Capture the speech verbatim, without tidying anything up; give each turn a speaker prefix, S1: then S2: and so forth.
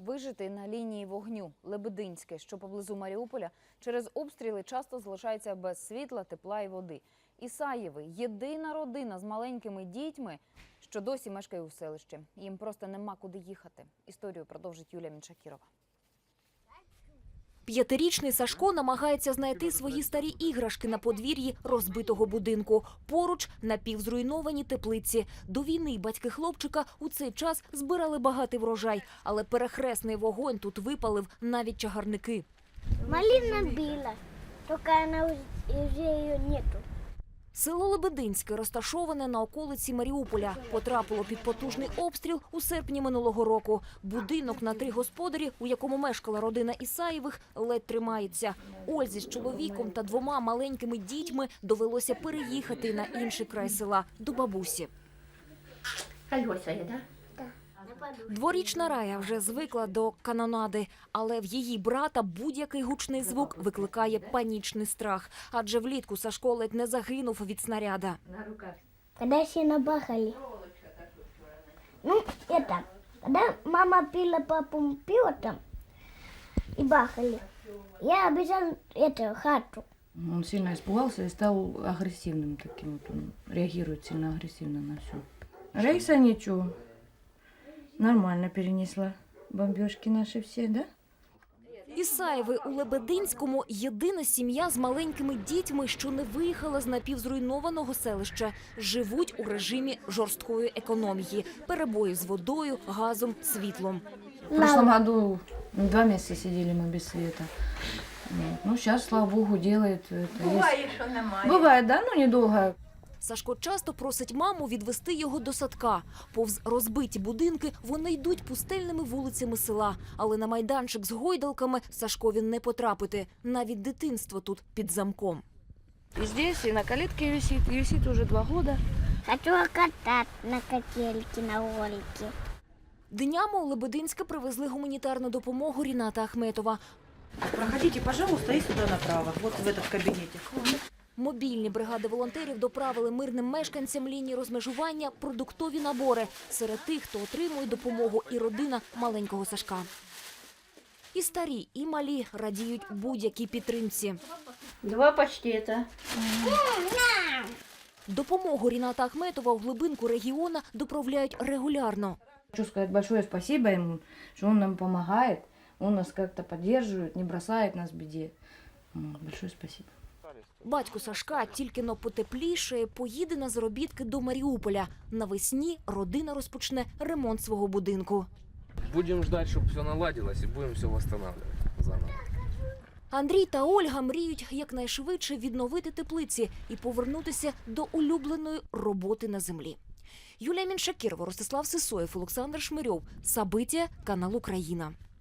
S1: Вижити на лінії вогню Лебединське, що поблизу Маріуполя, через обстріли часто залишається без світла, тепла і води. Ісаєви – єдина родина з маленькими дітьми, що досі мешкає у селищі. Їм просто нема куди їхати. Історію продовжить Юлія Міншакірова.
S2: П'ятирічний Сашко намагається знайти свої старі іграшки на подвір'ї розбитого будинку. Поруч напівзруйновані теплиці. До війни батьки хлопчика у цей час збирали багатий врожай, але перехресний вогонь тут випалив навіть чагарники.
S3: Малина біла, тільки вона вже її нету.
S2: Село Лебединське, розташоване на околиці Маріуполя, потрапило під потужний обстріл у серпні минулого року. Будинок на три господарі, у якому мешкала родина Ісаєвих, ледь тримається. Ользі з чоловіком та двома маленькими дітьми довелося переїхати на інший край села, до бабусі.
S4: Кольоса є, так?
S2: Дворічна Рая вже звикла до канонади, але в її брата будь-який гучний звук викликає панічний страх. Адже влітку Сашко ледь не загинув від снаряда.
S4: На руках.
S3: Когда все набахали. Ну, это, когда мама пила папу пиво там и бахали, я обижал эту хату.
S5: Он сильно испугался и стал агрессивным таким. Вот он реагирует сильно агрессивно на все. Рейса ничего. Нормально перенесла бомбежки наши все, да?
S2: Ісаєви у Лебединському – єдина сім'я з маленькими дітьми, що не виїхала з напівзруйнованого селища. Живуть у режимі жорсткої економії. Перебої з водою, газом, світлом.
S5: В прошлом году два месяца сидели мы без света. Вот. Ну, сейчас, слава богу, делает это.
S4: Буває, що немає.
S5: Бывает, да, но недолго.
S2: Сашко часто просить маму відвести його до садка. Повз розбиті будинки вони йдуть пустельними вулицями села. Але на майданчик з гойдалками Сашкові не потрапити. Навіть дитинство тут під замком.
S6: И здесь, и на калитке висит, и висит уже два года.
S3: Хочу катать на качельке, на ролике.
S2: Днями у Лебединське привезли гуманітарну допомогу Ріната Ахметова.
S7: Проходите, пожалуйста, и сюда направо, вот в этот кабинетик.
S2: Мобільні бригади волонтерів доправили мирним мешканцям лінії розмежування продуктові набори. Серед тих, хто отримує допомогу, і родина маленького Сашка. І старі, і малі радіють будь-якій підтримці.
S4: Два паштета.
S2: Допомогу Ріната Ахметова у глибинку регіону доправляють регулярно.
S5: Хочу сказать большое спасибо ему, что он нам помогает, он нас как-то поддерживает, не бросает нас в беде. Большое спасибо.
S2: Батько Сашка тільки-но потеплішає, поїде на заробітки до Маріуполя. Навесні родина розпочне ремонт свого будинку.
S8: Будем ждать, чтобы все наладилось, и будем все восстанавливать заново.
S2: Андрій та Ольга мріють якнайшвидше відновити теплиці і повернутися до улюбленої роботи на землі. Юлія Міншакірова, Ростислав Сисоєв, Олександр Шмирьов. Сабиття, канал Україна.